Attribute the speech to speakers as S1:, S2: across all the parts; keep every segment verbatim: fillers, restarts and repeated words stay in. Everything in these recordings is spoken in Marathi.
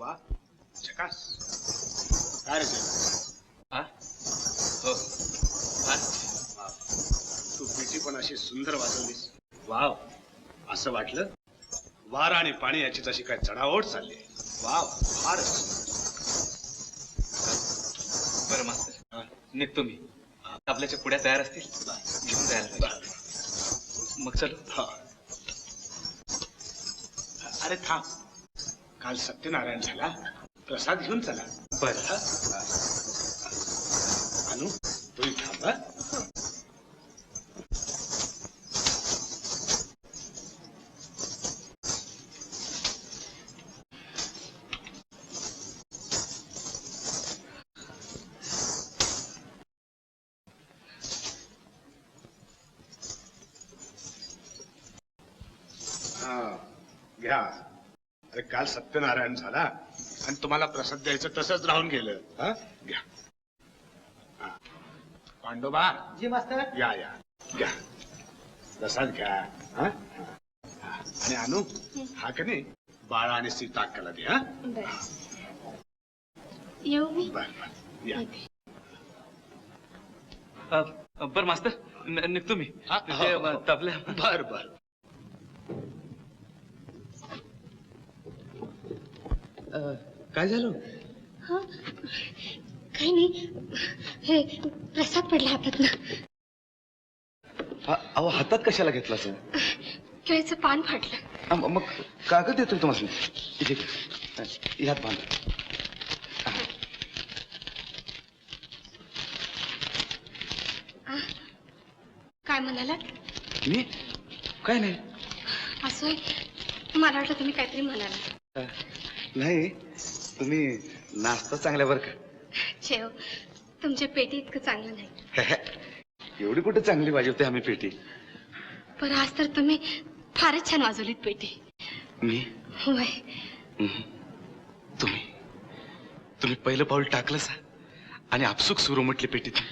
S1: वा झकास. काय रे
S2: हा हो
S1: तू पेटी पण अशी सुंदर वाजवलीस.
S2: वाव.
S1: असं वाटलं वारा आणि पाणी याची जशी काय चढाओढ चालली. वाव फारच.
S2: बरं मास्तर निघतो मी. आपल्याच्या पुढ्या तयार असतील घेऊन जायला पाहिजे. मग चल.
S1: अरे थांब, काल सत्यनारायण झाला, प्रसाद घेऊन चला.
S2: बर.
S1: अनु तुम्ही थांबा. घ्या. अरे काल सत्यनारायण झाला आणि तुम्हाला प्रसाद द्यायचं तसंच राहून गेलं. हा घ्या. पांडोबा
S3: जी मास्तर.
S1: या या घ्या प्रसाद घ्या. हा आणि अनु हा का नाही बाळा आणि सीता अक्काला दे. हा
S4: येऊ मी.
S1: बर बर या.
S2: बर मास्तर निघतो मी. तबल्या.
S1: बर बर.
S2: काय झालं?
S4: हा काही नाही, हे प्रसाद पडला हातात ना.
S5: अहो हातात कशाला घेतला सर?
S4: केळीचं पान फाटलं.
S5: मग कागद देतोय तुम्हाला. इथे ह्यात बांध.
S4: काय म्हणाला?
S5: मी काय नाही.
S4: असं मला वाटलं तुम्ही काहीतरी म्हणाला.
S5: नाही, तुम्ही नाश्ता चांगल्या बरं का.
S4: शेव तुमच्या पेटी इतकं चांगलं नाही.
S5: एवढी कुठे चांगली वाजवते आम्ही पेटी.
S4: पण आज तर तुम्ही फारच छान वाजवलीत पेटी.
S5: मी
S4: होय.
S5: तुम्ही तुम्ही पहिलं पाऊल टाकलं सा आणि आपसुक सुरू म्हटली पेटीत.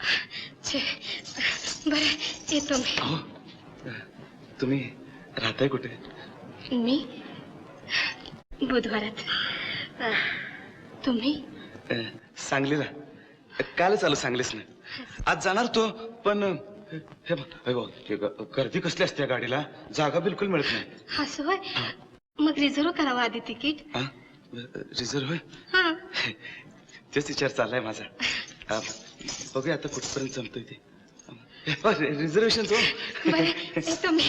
S4: बरं येतो मी.
S5: हो. तुम्ही राहताय कुठे?
S4: मी बुधवारात. तुम्ही?
S5: सांगलीला. कालच आलो सांगलीच ना. आज जाणार तो पण हे बघ गर्दी कसली असते गाडीला, जागा बिलकुल मिळत नाही.
S4: असं होय. मग रिझर्व करावं आधी तिकीट.
S5: रिझर्व होय.
S4: हा
S5: तेच विचार चाललाय माझा. बघूया आता कुठपर्यंत जमतोय ते. रिझर्वेशन तो.
S4: बरं येतो मी.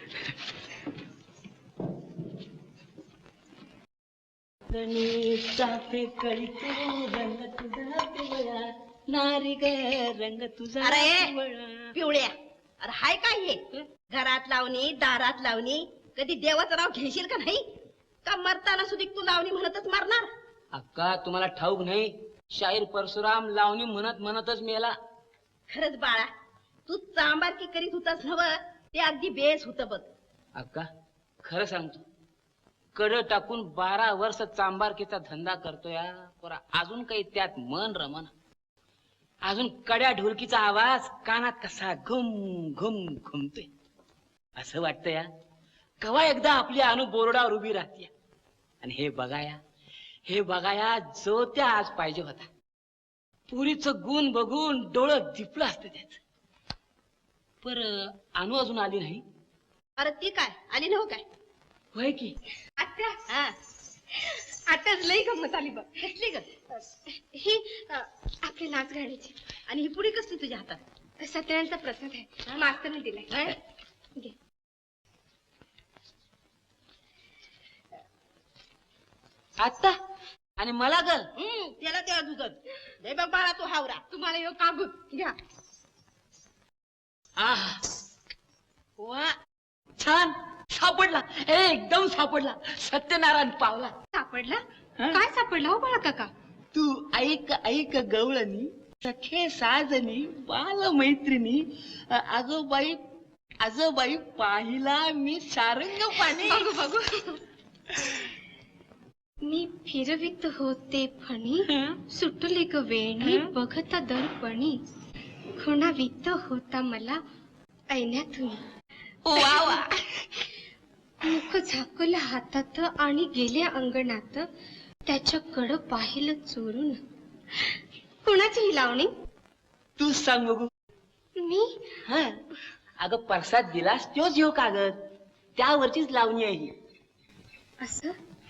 S6: नारी ग रंग तुझा. अरे पिवळ्या, अरे हाय काय हे? घरात लावणी दारात लावणी, कधी देवाचं नाव घेशील का नाही? का मरताना सुद्धा तू लावणी म्हणतच मरणार?
S3: अक्का तुम्हाला ठाऊक नाही, शाहीर परशुराम लावणी म्हणत म्हणतच मेला.
S6: खरंच बाळा, तू चांबारकी करीत होतास नव, ते अगदी बेस होत बघ.
S3: अक्का खरं सांगतो, कड टाकून बारा वर्ष चांबारकीचा धंदा करतोय. पोरा अजून काही त्यात मन रमना. अजून कड्या ढोलकीचा आवाज कानात कसा घुम घुम घुमतोय. असं वाटतं या कवा एकदा आपली अनु बोर्डावर उभी राहते. आणि हे बघाया हे बघाया जो त्या आज पाहिजे होता. पुरीचं गुण बघून डोळं दिपलं असतं त्याच. पर अनु अजून आली नाही.
S6: अरे ती काय आली नव्ह काय?
S3: होय की
S4: आत्या.
S6: हा
S4: आत्याच लई गंमत आली बघ.
S6: कसली ग?
S4: ही अ, आपली नाच गाण्याची.
S6: आणि ही पुडी कसली तुझ्या हातात?
S4: सत्यनारायणचा प्रसाद आहे, मास्तरने दिलाय. घे.
S3: आता आणि मला ग
S6: हम्म त्याला तेव्हा दुधत दे बघ बाळा तू हावरा.
S4: तुम्हाला यो कागद घ्या.
S3: आह वा छान सापडला. एकदम सापडला. सत्यनारायण पावला.
S4: सापडला? काय सापडला हो बाळा काका?
S3: तू ऐक ऐक गवळणी, सखे साजनी, बाल मैत्रिणी, आजोबाई आजोबाई पाहिला मी सारंग पाणी.
S4: बघू बघू. मी फिरवित होते फणी, सुटले ग वेणी बघता दर्पणी, खुणावित होता मला ऐण्यातून.
S3: वा वा.
S4: मुख झाकलं हातात आणि गेले अंगणात, त्याच्याकडं पाहिलं चोरून. कुणाची ही लावणी?
S3: तूच सांग बघू.
S4: मी?
S3: हा अगं परसाद दिलास तोच ह्यो कागद, त्यावरचीच लावणी आहे ही.
S4: असं?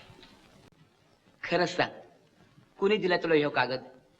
S3: खरंच सांग, कुणी दिला तुला ह्यो कागद?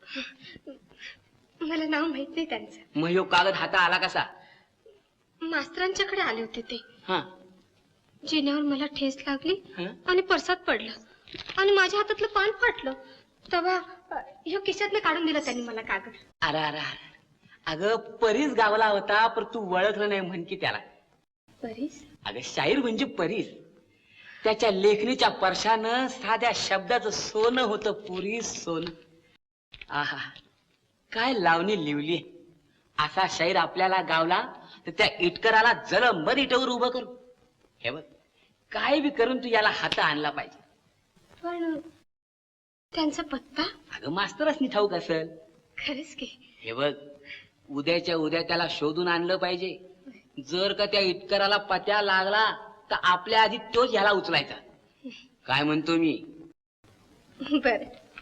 S4: मला नाव माहित नाही त्यांचं.
S3: मग ह्यो कागद हाता आला कसा?
S4: मास्तरांच्याकडे आले होते ते.
S3: हा
S4: जिन्यावर मला ठेस लागली
S3: हं?
S4: आणि परसात पडलं आणि माझ्या हातातलं पान फाटलं. तेव्हा ह्यो खिशातलं काढून दिलं त्यांनी मला कागद.
S3: अरे अरे अरे, अगं परीस गावला होता पण तू ओळखलं नाही म्हण की त्याला.
S4: परीस?
S3: अगं शाहीर म्हणजे परीस. त्याच्या लेखणीच्या परशानं साध्या शब्दाचं सोनं होतं, पुरी सोनं. आहा काय लावणी लिवली. असा शाहीर आपल्याला गावला तर त्या इटकराला जलमभर इटवर उभं करू. हे बघ, काय बी करून तू याला हात आणला पाहिजे.
S4: पण त्यांचा पत्ता?
S3: अगं मास्तरच ठाऊक असेल.
S4: खरंच की?
S3: हे बघ, उद्याच्या उद्या त्याला शोधून आणलं पाहिजे. जर का त्या इटकराला पत्या लागला तर आपल्या आधी तोच ह्याला उचलायचा. काय म्हणतो मी?
S4: बर.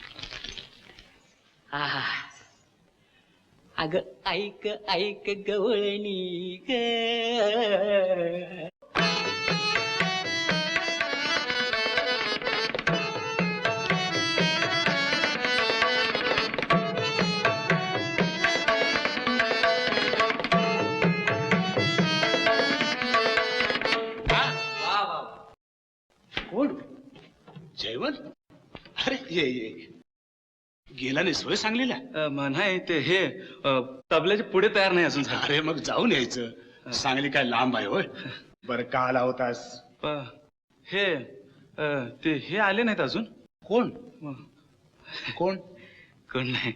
S3: आहा अग ऐक ऐक गवळणी ग.
S1: कोण? जयवंत? अरे ये ये, गेला नाही सोय सांगलीला?
S5: अ, म, नाही ते हे अ, तबल्याचे पुढे तयार नाही अजून झाले.
S1: अरे मग जाऊन यायचं. सांगली काय लांब आहे होय? बरं का आला होतास?
S5: प, हे अ, ते हे आले नाहीत अजून.
S1: कोण?
S5: म,
S1: कोण?
S5: कोण नाही.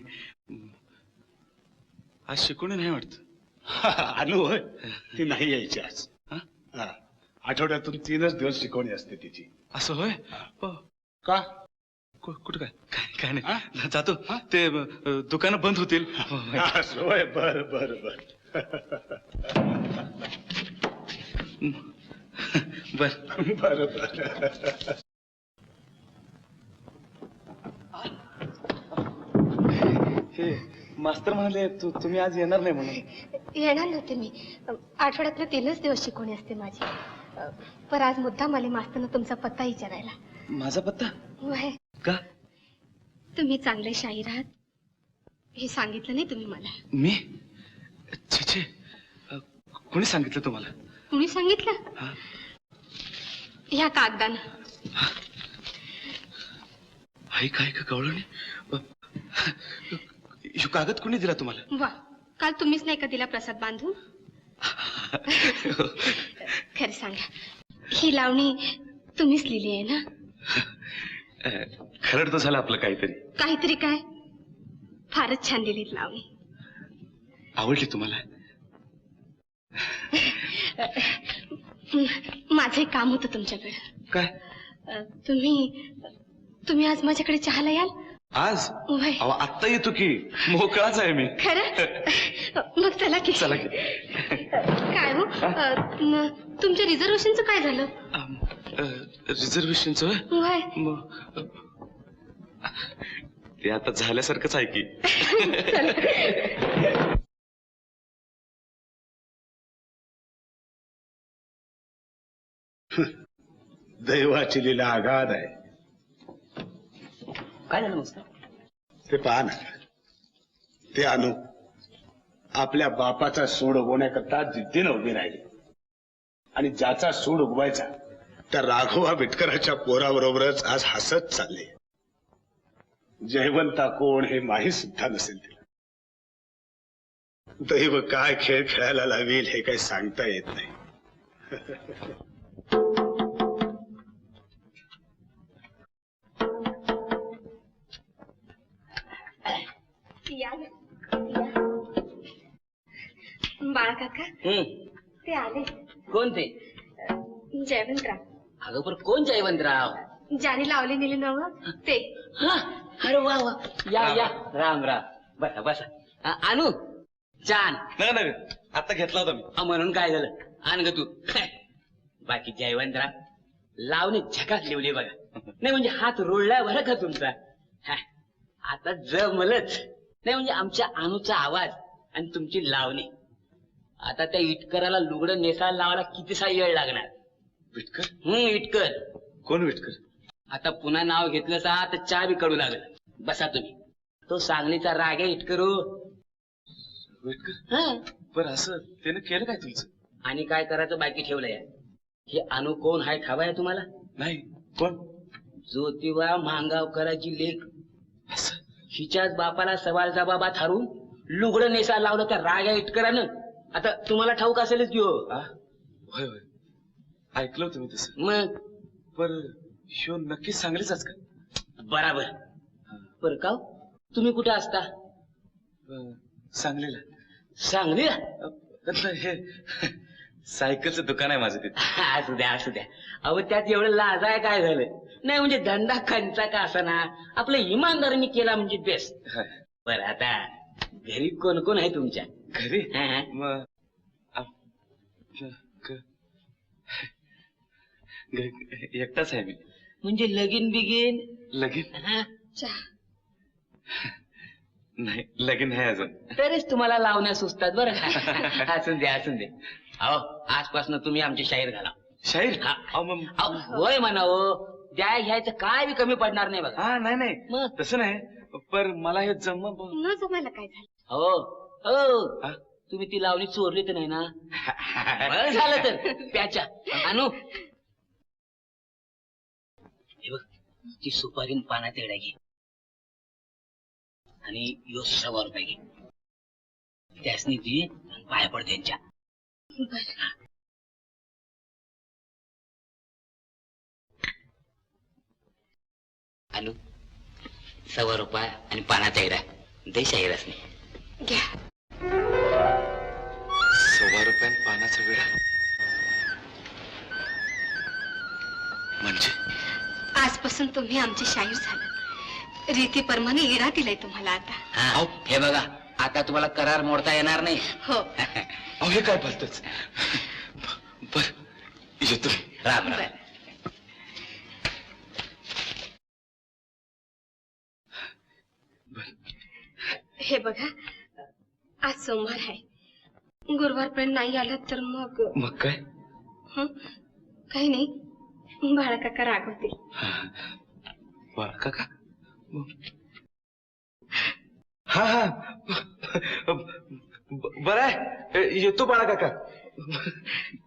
S5: आज शिकवणी नाही वाटत.
S1: अनु होय, ती नाही यायची आज.
S5: हा?
S1: हा. आठवड्यातून तीनच दिवस शिकवणी असते तिची.
S5: असं होय? प,
S1: का?
S5: कु- कुठं काय काय काय
S1: हा?
S5: नाही जातो. ते अ, दुकानं बंद होतील.
S1: असं होय, बर बर बर.
S5: बर
S1: बर बर.
S5: हे मास्तर म्हणाले तू तुम्ही आज येणार नाही म्हणून.
S4: येणार नव्हते मी. आठवड्यातले तीनच दिवस शिकवणी असते माझी. पर आज मुद्दाम आले मास्तरनं तुमचा पत्ता विचारायला.
S5: माझा पत्ता
S4: वय,
S5: का?
S4: तुम्ही चांगले शाहीर आहात हे सांगितलं नाही तुम्ही मला.
S5: मी छे छे अ, कोणी सांगितलं तुम्हाला?
S4: कुणी सांगितलं?
S5: हा?
S4: ह्या कागदानं.
S5: ऐक ऐक कवळणी, ह्यो कागद कोणी दिला तुम्हाला?
S4: वा, काल तुम्हीच नाही का दिला प्रसाद बांधून? खरं सांगा, ही लावणी तुम्हीच लिहिली आहे ना?
S5: खरं तर झालं आपलं काहीतरी.
S4: काहीतरी काय? फारच छान लिहिलीत लावणी.
S5: आवडली तुम्हाला?
S4: माझं एक काम होतं तुमच्याकडे.
S5: काय?
S4: अ, तुम्ही तुम्ही आज माझ्याकडे चहाला याल?
S5: आज?
S4: वय.
S5: अहो आत्ता येतो की, मोकळाच आहे मी.
S4: खरं? मग चला की.
S5: चला की.
S4: काय हो, अ, न- तुमच्या रिझर्वेशनचं काय झालं?
S5: रिझर्वेशनचं?
S4: वय.
S5: मग ते आता झाल्यासारखंच आहे की.
S1: दैवाची लीला आगाध आहे.
S3: काय झालं मस्त?
S1: ते पहा ना, ते अनु आपल्या बापाचा सूड उगवण्याकरता जिद्दीनं उभी राहिली आणि ज्याचा सूड उगवायचा त्या राघवा बिटकराच्या पोराबरोबरच आज हसत चालले. जयवंता कोण हे माहीत सुद्धा नसेल तिला. दैव काय खेळ खेळायला लावेल हे काही सांगता येत नाही.
S4: या ना, या. बाळा काका
S3: हम्म,
S4: ते आले.
S3: कोण ते?
S4: जयवंतराव.
S3: अगं पण कोण जयवंतराव?
S4: ज्याने लावली नेली नव ते.
S3: हा, अरे वा वा, या या, राम राम. बसा बसा. अ, आणू छान.
S5: नाही नाही आता घेतला होता मी.
S3: अ, म्हणून काय झालं? आण ग तू. बाकी जयवंतराव लावणी झकात लिवली बघा. नाही म्हणजे हात रोळला बरं का तुमचा. हा, आता जमलंच. नाही म्हणजे आमच्या अनुचा आवाज आणि तुमची लावणी. आता त्या इटकराला लुगडं नेसायला लावायला कितीसा वेळ लागणार.
S5: विटकर?
S3: हम्म इटकर.
S5: कोण विटकर?
S3: आता पुन्हा नाव घेतलं सा तर चहा बी कडू लागलं. बसा तुम्ही. तो सांगलीचा राग आहे इटकरू.
S5: विटकर?
S3: हा.
S5: पण असं त्यानं केलं काय तुमचं?
S3: आणि काय करायचं बाकी ठेवलंय. हे अनु कोण हाय ठावा आहे तुम्हाला?
S5: नाही. कोण?
S3: ज्योतिबा महागावकराची लेख.
S5: असं?
S3: हिच्याच बापाला सवालचा बाबा थारून लुगडं नेसा लावलं त्या राग्या इटकरानं. आता तुम्हाला ठाऊक असेलच की हो.
S5: आ? होय होय ऐकलं होतं मी तसं.
S3: मग
S5: पर शो नक्कीच सांगलीचाच का?
S3: बराबर. बर का हो? तुम्ही कुठे असता?
S5: अं, सांगलीला.
S3: सांगली.
S5: अं, हे सायकलचं दुकान आहे माझं तिथे.
S3: असू द्या असू द्या. अहो त्यात एवढं लाजाय काय झालं. नाही म्हणजे धंदा खंचा का असाना आपलं इमानदारीने केला म्हणजे बेस्ट.
S5: हाय.
S3: बर आता घरी कोण कोण आहे तुमच्या?
S5: घरी
S3: हा, हा.
S5: मग आप- ग- ग- एकटाच आहे मी.
S3: म्हणजे लगीन बिगीन?
S5: लगीन
S3: हा?
S6: चहा.
S5: नाही, लगीन आहे अजून.
S3: तरीच तुम्हाला लावण्या सुचतात बरं का. असून दे असून दे. अहो आजपासून तुम्ही आमची शाहीर घाला.
S5: शाहीर?
S3: हा.
S5: अहो, मग
S3: अहो, होय म्हणा हो. द्या घ्यायचं काय बी कमी पडणार नाही बघा.
S5: हा नाही नाही
S3: मग?
S5: तसं नाही. पर मला हे जम
S4: न जमायला काय झालं?
S3: हो हो
S5: हा?
S3: तुम्ही ती लावणी चोरली तर नाही ना? बरं झालं तर त्याच्या अनु हे बघ ती सुपारी पाण्यात येड्या घे आणि यो सव्वा रुपये घे. त्यासनी ती पाया पड त्यांच्या. अनु सव्वा रुपये आणि पाण्याचा येडा दे शाहीरच नाही.
S4: घ्या.
S5: सव्वा रुपयान पानाचा विडा म्हणजे?
S4: आजपासून तुम्ही आमचे शाहीर झालात. रीतीप्रमाणे इडा दिलाय तुम्हाला आता.
S3: हा, हे बघा आता तुम्हाला करार मोडता येणार नाही.
S4: हो.
S5: अहो हे काय बोलतच. बर येतो.
S3: राम राम.
S4: बरं. हे बघा आज सोमवार आहे. गुरुवारपर्यंत नाही आला तर मग
S5: मग काय?
S4: हं? काही नाही. बाळा काका रागवतील.
S5: बाळा काका? हा हा ब- बरं आहे येतो बाळा काका.